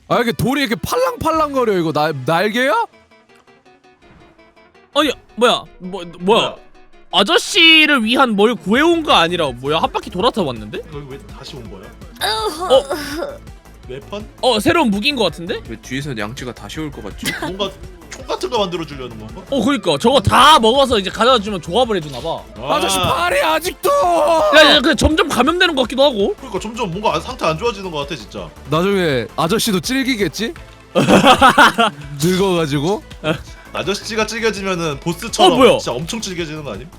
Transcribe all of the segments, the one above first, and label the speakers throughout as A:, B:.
A: 아 이게 돌이 이렇게 팔랑팔랑거려. 이거 날개야?
B: 아니 뭐야? 아저씨를 위한 뭘 구해온 거 아니라 뭐야? 한 바퀴 돌아서 왔는데?
C: 여기 왜 다시 온 거야? 웨펀?
B: 새로운 무기인 거 같은데?
D: 왜 뒤에서 양치가 다시 올 것 같지?
C: 뭔가 총 같은 거 만들어 주려는 건가?
B: 그니까 저거 다 먹어서 이제 가져다 주면 조합을 해주나 봐.
A: 아저씨 팔이 아직도.
B: 야, 근데 점점 감염되는 것 같기도 하고.
C: 그러니까 점점 뭔가 상태 안 좋아지는 것 같아 진짜.
A: 나중에 아저씨도 찔기겠지? 늙어가지고.
C: 아저씨가 찔겨지면은 보스처럼
B: 뭐야?
C: 진짜 엄청 찔겨지는 거 아님?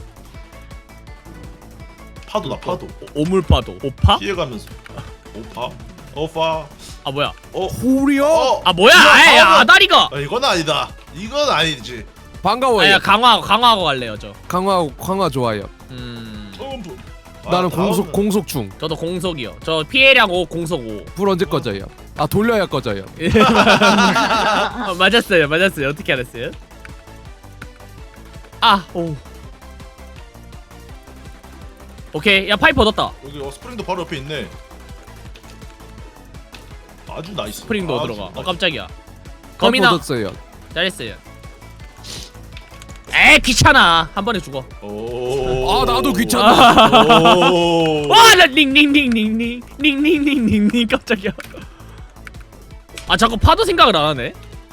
C: 파도다 파도.
B: 오물파도. 오파?
C: 피해가면서. 오파.
B: 아 뭐야?
A: 호리야.
B: 아 뭐야? 아예 아다리가.
C: 이건 아니다. 이건 아니지.
A: 반가워요.
B: 아야 강화하고 갈래요 저.
A: 강화 좋아요.
C: 점프.
A: 나는 공속충.
B: 저도 공속이요. 저 피해량 5, 공속 5.
A: 불 언제 꺼져요? 아 돌려야 꺼져요.
B: 맞았어요. 어떻게 알았어요? 오. 오케이, 야 파이프 얻었다.
C: 여기 스프링도 바로 옆에 있네. 아주 나이스.
B: 스프링도
C: 아주
B: 들어가.
C: 나이스.
B: 깜짝이야.
A: 거미나
B: 거미나
A: 얻었어요.
B: 잘했어요. 에이 귀찮아. 한 번에 죽어.
C: 오.
A: 아 나도 귀찮아.
C: 오.
B: 와나 닝닝닝닝닝닝닝닝닝 깜짝이야. 자꾸 파도 생각을 안 하네.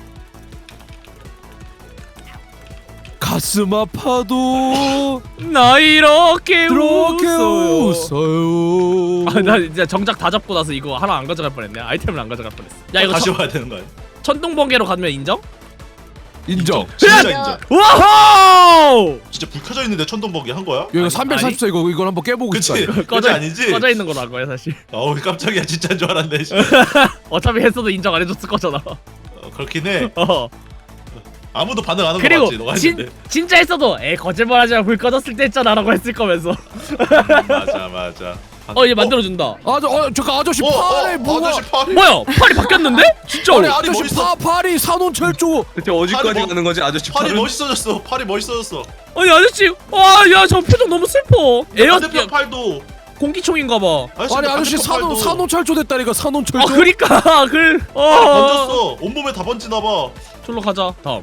A: 가슴 아파도
B: 나 이렇게
A: 그렇게
B: 웃어요.
A: 웃어요.
B: 나 진짜 정작 다 잡고 나서 이거 하나 안 가져갈 뻔했네. 아이템을 안 가져갈 뻔했어. 야 이거
C: 다시 와야 되는 거 아니야?
B: 천둥번개로 가면 인정?
A: 인정.
C: 진짜 인정.
B: 와호!
C: 진짜 불 켜져 있는데 천둥번개 한 거야?
A: 이거 344 이걸 한번 깨보고
C: 그치?
A: 싶다.
C: 그치 아니지?
B: 꺼져 있는 거란 거야 사실.
C: 어우 깜짝이야 진짜인 줄 알았네.
B: 어차피 했어도 인정 안 해줬을 거잖아.
C: 그렇긴 해. 아무도 반응 안 한 거
B: 그리고
C: 맞지? 너가 했는데.
B: 진짜 했어도 거짓말하지 마. 불 꺼졌을 때 했잖아라고 했을 거면서.
C: 맞아.
B: 얘 만들어준다.
A: 잠깐 아저씨 팔에 뭐가?
C: 아저씨 팔이.
B: 뭐야? 팔이 바뀌었는데? 진짜로?
A: 아니 아저씨
C: 멋있어.
A: 팔이 산온철조.
D: 대체 어디까지
C: 팔이
D: 가는 거지 아저씨
C: 팔이
D: 팔은?
C: 멋있어졌어. 팔이 멋있어졌어.
B: 아니 아저씨, 야 저 표정 너무 슬퍼.
C: 반대편 팔도.
B: 공기총인가봐.
A: 아니 아저씨 산온철조 됐다니까 산온철조.
B: 그니까
C: 번졌어. 온몸에 다 번지나 봐.
B: 절로 가자. 다음.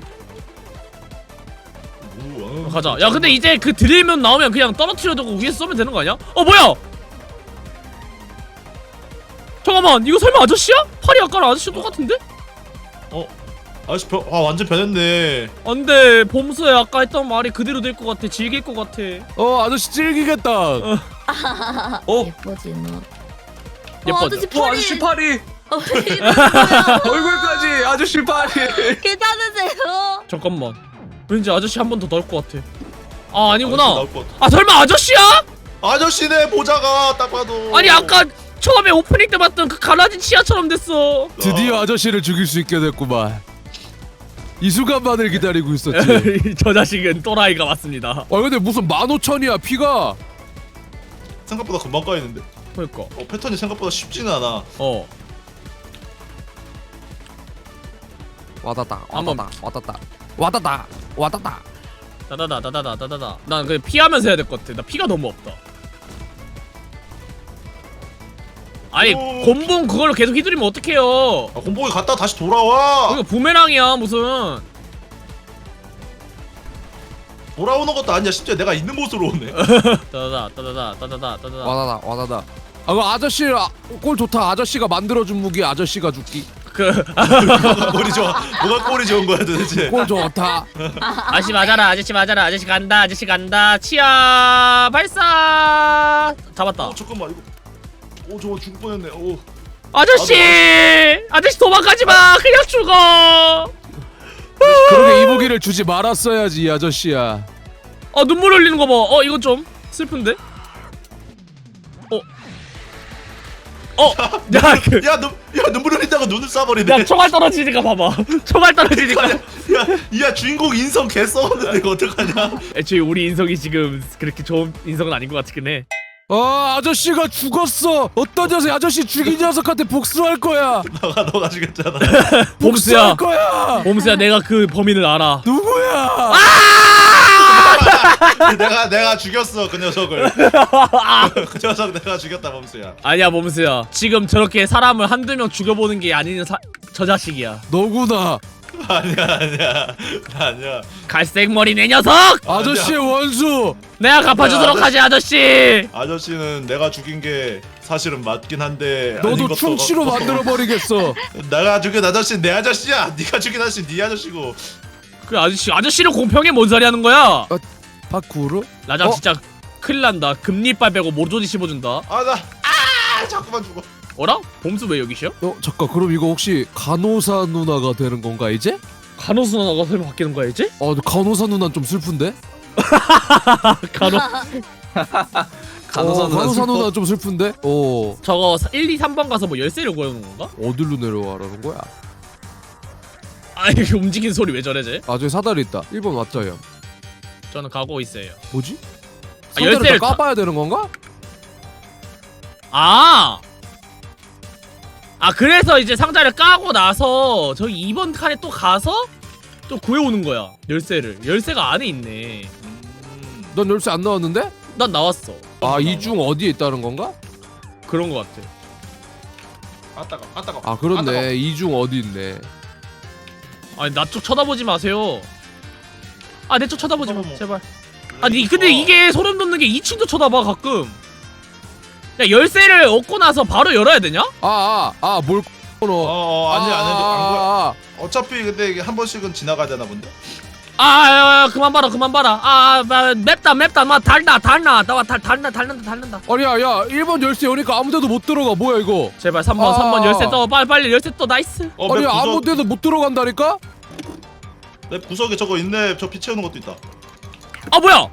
B: 가자. 야 근데 이제 그 드릴면 나오면 그냥 떨어뜨려두고 위에서 쏘면 되는 거 아니야? 뭐야? 잠깐만, 이거 설마 아저씨야? 팔이 아까랑 아저씨랑 똑같은데?
C: 아저씨 완전 변했네.
B: 안돼, 봄수야 아까 했던 말이 그대로 될 것 같아. 질길 것 같아.
A: 아저씨 찔기겠다.
E: 예뻐지 너.
B: 예뻐져.
E: 아저씨 팔이.
D: 아저씨 팔이 얼굴까지 아저씨 팔이.
E: 괜찮으세요?
B: 잠깐만, 왠지 아저씨 한 번 더 넣을 것 같아. 아니구나.
C: 아저씨 나올 것 같아.
B: 설마 아저씨야?
C: 아저씨네 모자가 딱 봐도.
B: 아니 아까 처음에 오프닝 때 봤던 그 갈라진 치아처럼 됐어.
A: 드디어 아저씨를 죽일 수 있게 됐구만. 이 순간만을 기다리고 있었지.
B: 저 자식은 또라이가 맞습니다.
A: 근데 무슨 15,000이야 피가.
C: 생각보다 금방 까이는데.
B: 그러니까.
C: 패턴이 생각보다 쉽지는 않아.
A: 와다다
B: 한번.
A: 와다다.
B: 다다다. 난 그냥 피하면서 해야 될 것 같아. 나 피가 너무 없다. 아니 곤봉 그걸로 계속 휘두르면 어떡해요.
C: 곤봉이 갔다 다시 돌아와.
B: 이거 부메랑이야 무슨.
C: 돌아오는 것도 아니야. 심지어 내가 있는 곳으로 오네.
B: 따다다.
A: 와다다. 그 아저씨 꼴 좋다. 아저씨가 만들어준 무기 아저씨가 죽기.
C: 뭐가 꼴이 좋아? 뭐가 꼴이 좋은 거야 도대체?
A: 꼴 좋다.
B: 아저씨 맞아라. 아저씨 간다. 치아 발사. 잡았다.
C: 잠깐만 이거. 저거 죽을 뻔했네.
B: 아저씨 도망가지 마. 그냥 죽어.
A: 그러게 이 무기를 주지 말았어야지 이 아저씨야.
B: 눈물 흘리는 거 봐. 이건 좀 슬픈데.
C: 야 눈물 흘린다고 눈을 쏴버리네.
B: 야 총알 떨어지니까 봐봐.
C: 야 주인공 인성 개 썩었는데 이거 어떡하냐?
B: 애초에 우리 인성이 지금 그렇게 좋은 인성은 아닌 것 같긴 해.
A: 아저씨가 죽었어. 어떤 녀석이 아저씨 죽인 녀석한테 복수할 거야.
C: 너가 죽였잖아.
B: 봄수야.
A: 복수할 거야.
B: 봄수야 내가 그 범인을 알아.
A: 누구야?
C: 내가 죽였어 그 녀석을. 그 녀석 내가 죽였다 범수야.
B: 아니야 범수야. 지금 저렇게 사람을 한두 명 죽여보는 게 아닌 저 자식이야.
A: 너구나.
C: 아니야.
B: 갈색 머리 내 녀석!
A: 아저씨의 원수.
B: 내가 갚아주도록 하지 아저씨.
C: 아저씨는 내가 죽인 게 사실은 맞긴 한데 아닌
A: 너도
C: 것도
A: 충치로
C: 같고.
A: 만들어 버리겠어.
C: 내가 죽인 아저씨 내 아저씨야. 네가 죽인 아저씨 네 아저씨고.
B: 그 아저씨를 공평해 뭔 소리 하는 거야?
A: 파쿠르?
B: 라장
A: 어?
B: 진짜 큰일 난다. 금리빨 빼고 모조리 씹어준다.
C: 자꾸만 죽어.
B: 어라? 봄수 왜 여기셔?
A: 잠깐 그럼 이거 혹시 간호사 누나가 되는 건가 이제?
B: 간호사 누나가 설마 바뀌는 거야 이제?
A: 근데 간호사 누나는 좀 슬픈데? 간호사 누나 좀 슬픈데?
B: 저거 1, 2, 3번 가서 뭐 열쇠를 구해오는 건가?
A: 어디로 내려가라는 거야?
B: 아 이게 움직이는 소리 왜 저래 쟤?
A: 저기 사다리 있다. 1번 맞자요.
B: 저는 가고 있어요.
A: 뭐지?
B: 아,
A: 사다리를
B: 열쇠를
A: 다 까봐야 되는 건가?
B: 그래서 이제 상자를 까고 나서 저기 2번 칸에 또 가서 또 구해오는 거야 열쇠가 안에 있네.
A: 넌 열쇠 안 나왔는데?
B: 난 나왔어.
A: 이 중 어디에 있다는 건가?
B: 그런 거 같아.
C: 아따가.
A: 그렇네. 이 중 어디 있네.
B: 아니 나 쪽 쳐다보지 마세요. 내 쪽 쳐다보지 마
C: 어머머.
B: 제발. 근데 이게 소름 돋는 게 2층도 쳐다봐 가끔. 야 열쇠를 얻고 나서 바로 열어야 되냐?
A: 뭘 끊어.
C: 아니 안 거야. 어차피 근데 이게 한 번씩은 지나가야 되나 본데.
B: 그만 봐라. 맵다 막 달나 나와 달는다.
A: 아니 야 1번 열쇠 여니까 아무데도 못 들어가. 뭐야 이거?
B: 제발 3번 열쇠 떠 빨리 열쇠 떠 나이스.
A: 아니 아무데도 못 들어간다니까?
C: 내 구석에 저거 있네. 저 피 채우는 것도 있다.
B: 뭐야?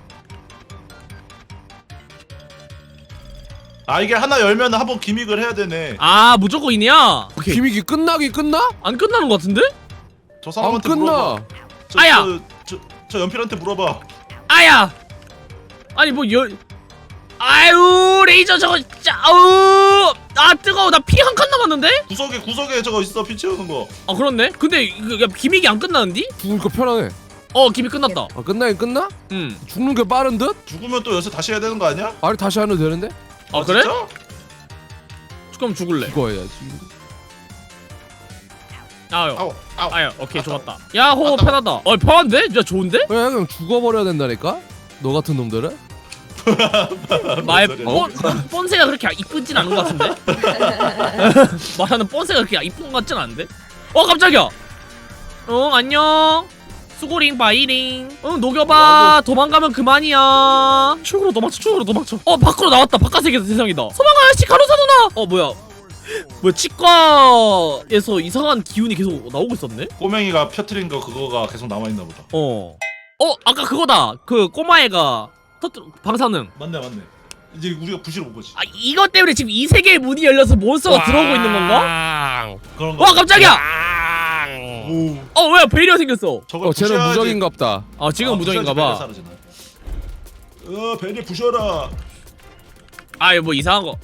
C: 이게 하나 열면 한번 기믹을 해야 되네.
B: 무조건 이냐?
A: 기믹이 끝나긴 끝나?
B: 안 끝나는 거 같은데?
C: 저
A: 안
C: 사람한테
A: 끝나.
C: 물어봐.
B: 아야!
C: 저 연필한테 물어봐.
B: 아야! 아니 아유 레이저 저거 진짜 아우 뜨거워. 나 피 한 칸 남았는데?
C: 구석에 저거 있어. 피 채우는 거.
B: 그렇네. 근데 기믹이 안 끝나는디?
A: 죽으니까 편하네.
B: 기믹 끝났다.
A: 끝나긴 끝나?
B: 응.
A: 죽는 게 빠른 듯?
C: 죽으면 또 열쇠 다시 해야 되는 거 아니야?
A: 아니 다시 하면 되는데?
B: 그래?
C: 진짜?
B: 그럼 죽을래.
A: 죽어야지.
C: 아우.
B: 오케이 좋았다. 야호 편하다. 편한데? 진짜 좋은데?
A: 그냥 죽어버려야 된다니까? 너 같은 놈들은?
B: 마의
C: 소리야?
B: 뻔세가 그렇게 이쁘진 않은 것 같은데? 말하는 뻔세가 그렇게 이쁜 것 같진 않은데? 깜짝이야. 안녕. 수고링 바이링. 녹여봐. 도망가면 그만이야. 축으로 도망쳐. 밖으로 나왔다. 바깥세계 세상이다. 소망아 아저씨 간호사 누나. 뭐야 치과에서 이상한 기운이 계속 나오고 있었네?
C: 꼬맹이가 펴트린 거 그거가 계속 남아있나 보다.
B: 아까 그거다. 그 꼬마애가 방사능.
C: 맞네. 이제 우리가 부시러 온 거지.
B: 이것 때문에 지금 이 세계의 문이 열려서 몬스터가 들어오고 있는 건가?
C: 그런 거.
B: 깜짝이야!
C: 오.
B: 왜 베리어 생겼어?
C: 저걸
A: 쟤는
C: 부셔야지.
A: 무적인갑다.
B: 지금 무적인가봐.
C: 베리 부셔라.
B: 이거 뭐 이상한 거.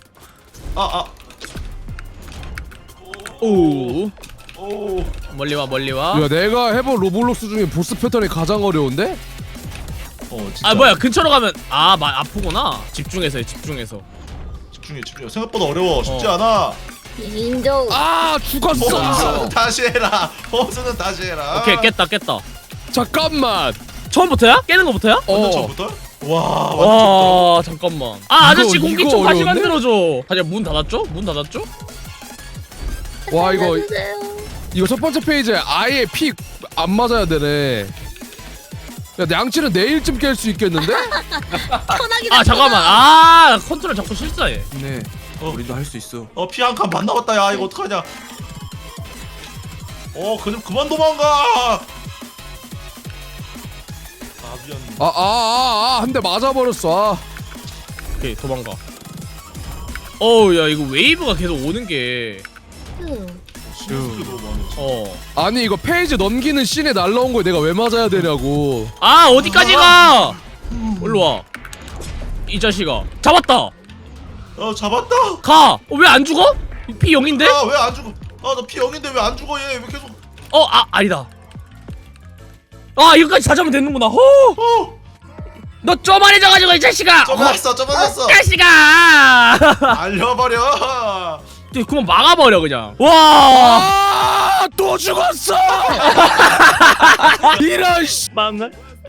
B: 오. 멀리 와.
A: 야 내가 해본 로블록스 중에 보스 패턴이 가장 어려운데?
C: 진짜.
B: 뭐야 근처로 가면 아프구나. 집중해서.
C: 집중해. 생각보다 어려워. 쉽지 않아.
E: 인정.
A: 죽었어.
C: 범수는 다시 해라. 범수는 다시 해라.
B: 오케이 깼다.
A: 잠깐만.
B: 처음부터야? 깨는 거부터야?
C: 완전 처음부터? 와.
B: 와 잠깐만. 아저씨
A: 이거
B: 공기총 다시
A: 어려운데?
B: 만들어줘. 문 닫았죠?
A: 와 이거
E: 살려주세요.
A: 첫 번째 페이지에 아예 피 안 맞아야 되네. 야 양치는 내일쯤 깰 수 있겠는데?
E: 편하게.
B: 잠깐만. 컨트롤 자꾸 실수해.
D: 네. 우리도 할 수 있어.
C: 피 한 칸 반 남았다. 야 이거 어떡하냐. 그만 도망가. 미안.
A: 한 대 맞아버렸어.
B: 오케이 도망가. 야 이거 웨이브가 계속 오는 게.
C: 신경쓰기 너무 많아.
A: 아니 이거 페이지 넘기는 씬에 날라온 거에 내가 왜 맞아야 되냐고.
B: 어디까지 가? 일로 와. 이 자식아. 잡았다.
C: 잡았다.
B: 가. 왜 안 죽어? 피 0인데?
C: 왜 안 죽어? 나 피 0인데 왜 안 죽어? 얘 왜 계속?
B: 아니다. 이거까지 다 잡으면 되는구나. 너 쪼만해져가지고 이 자식아.
C: 좁아졌어.
B: 자식아.
C: 알려버려.
B: 그만 막아버려 그냥. 와.
A: 아, 또 죽었어. 이런 씨.
B: 망할.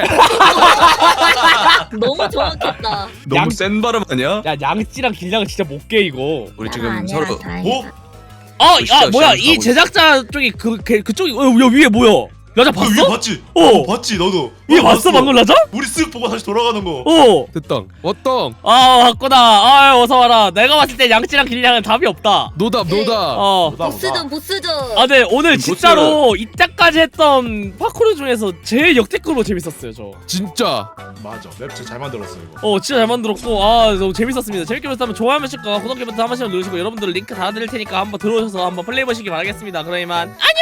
E: 너무 정확했다.
D: 너무 센 발음 아니야?
B: 야 양찌랑 길냥은 진짜 못 깨 이거.
D: 우리 지금 서로
C: 뭐?
B: 야 뭐야
D: 시작
B: 이
D: 가고
B: 제작자 쪽이 그쪽이 야 위에 뭐야? 라자
C: 너 위에
B: 봤어?
C: 봤지?
B: 어.
C: 봤지 너도.
B: 위에
C: 어,
B: 봤어 방금 라자?
C: 우리 쓱 보고 다시 돌아가는 거.
B: 어.
A: 됐당. 왔당.
B: 왔구나. 아 어서 와라. 내가 봤을 때 양찌랑 길냥은 답이 없다.
A: 노답.
C: 보다,
E: 보스전 보스전.
B: 아, 네 오늘
D: 보스.
B: 진짜로 이때까지 했던 파쿠르 중에서 제일 역대급으로 재밌었어요 저.
A: 진짜.
C: 맞아. 맵 진짜 잘 만들었어 이거.
B: 진짜 잘 만들었고 너무 재밌었습니다. 재밌게 보셨다면 좋아요 한 번씩과 구독 버튼 한 번씩 누르시고 여러분들 링크 달아드릴 테니까 한번 들어오셔서 한번 플레이 해보시기 바라겠습니다. 그럼 이만 안녕.